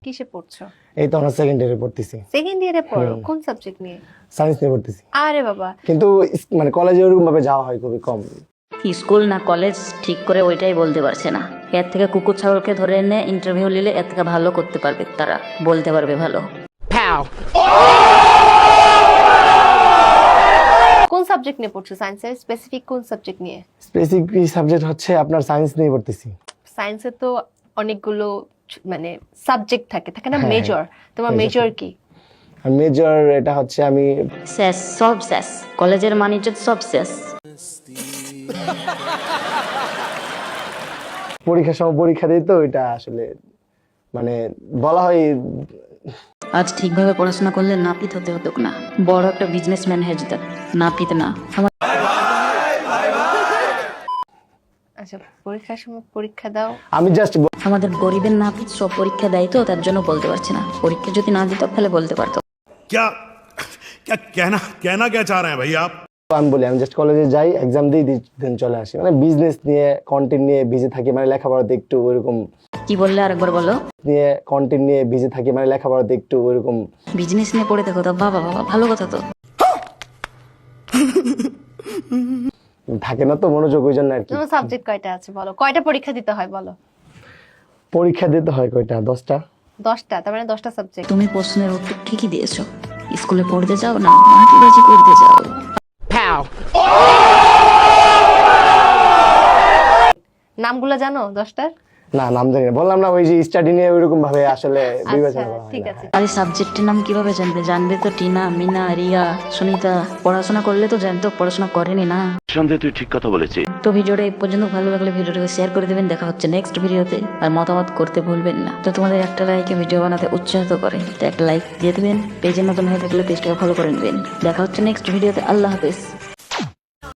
কিসে পড়ছো? এই তো আমরা সেকেন্ড ইয়ারে পড়তেছি। সেকেন্ড ইয়ারে পড়ো? কোন সাবজেক্ট নিয়ে? সায়েন্স নিয়ে পড়তেছি। আরে বাবা, কিন্তু মানে কলেজে ওরকম ভাবে যাওয়া হয় খুবই কম। স্কুল না কলেজ ঠিক করে ওইটাই বলতে পারছে না। এর থেকে কুকুর ছাগলকে ধরে এনে ইন্টারভিউ নিলে এর থেকে ভালো করতে পারবে, তারা বলতে পারবে ভালো। কোন সাবজেক্ট নিয়ে পড়ছো? সায়েন্সের স্পেসিফিক কোন সাবজেক্ট নিয়ে? স্পেসিফিক সাবজেক্ট হচ্ছে আপনার সায়েন্স নিয়ে পড়তেছি। সায়েন্সে তো অনেকগুলো মানে সাবজেক্ট থাকে না? হ্যাঁ, মেজর, তোমার major মেজর থাকে। কি? আর মেজর এটা হচ্ছে আমি শেষ, সব শেষ, কলেজের মানিজ্য সব শেষ। পরীক্ষার সময় পরীক্ষা দিই তো এটা আসলে মানে বলা হয় আজ ঠিকভাবে পড়াশোনা করলে নাপিত হতে হতো না, বড় একটা বিজনেসম্যান হয়ে যেত। নাপিত না, আচ্ছা, পরীক্ষার সময় পরীক্ষা দাও। আমি জাস্ট আমাদের গরিবের নাপিত সব পরীক্ষা দেয় তো, তার জন্য বলতে পারছে না। পরীক্ষা যদি না দিত তাহলে বলতে পারতো। क्या क्या कहना कहना क्या चाह रहे हैं भाई आप? আমি বলি আমি জাস্ট কলেজে যাই, এক্সাম দিই, দেন চলে আসি। মানে বিজনেস নিয়ে কন্টেন্ট নিয়ে বিজি থাকি, মানে লেখাপড়াতে একটু ওইরকম কি বললে আরেকবার বলো? নিয়ে কন্টেন্ট নিয়ে বিজি থাকি, মানে লেখাপড়াতে একটু ওইরকম বিজনেস নিয়ে পড়ে থাকো তো, বাবা বাবা, ভালো কথা তো। থাকে না তো মনোযোগ, ওই জন্য আর কি। তোমার সাবজেক্ট কয়টা আছে বলো? কয়টা পরীক্ষা দিতে হয় বলো? পরীক্ষা দিতে হয় কয়টা? 10টা। 10টা, তার মানে 10টা সাবজেক্ট। তুমি প্রশ্নের উত্তর ঠিকই দিয়েছো। স্কুলে পড়তে যাও না মাটিবাজি করতে যাও। নামগুলো জানো 10টার? না, নাম জানি না, বললাম না ওই যে স্টাডি নিয়ে ওইরকম ভাবে আসলে বিবেচনা আচ্ছা, করা হয় ঠিক না। আছে। আর এই সাবজেক্টের নাম কিভাবে জানবে? জানবে তো টিনা, মিনা, রিয়া, সুনিতা। পড়াশোনা করলে তো জানতো, পড়াশোনা করেনি না। সন্দেহ, তুই ঠিক কথা বলেছিস। তো ভিডিওটা এই পর্যন্ত ভালো লাগলে ভিডিওটাকে শেয়ার করে দেবেন। দেখা হচ্ছে নেক্সট ভিডিওতে। আর মতামত করতে ভুলবেন না। তো তোমাদের একটা লাইকে ভিডিও বানাতে উৎসাহিত করে, তো একটা লাইক দিয়ে দেবেন। পেজে নতুন হয়ে থাকলে পেজটাকে ফলো করে নেবেন। দেখা হচ্ছে নেক্সট ভিডিওতে। আল্লাহ হাফেজ।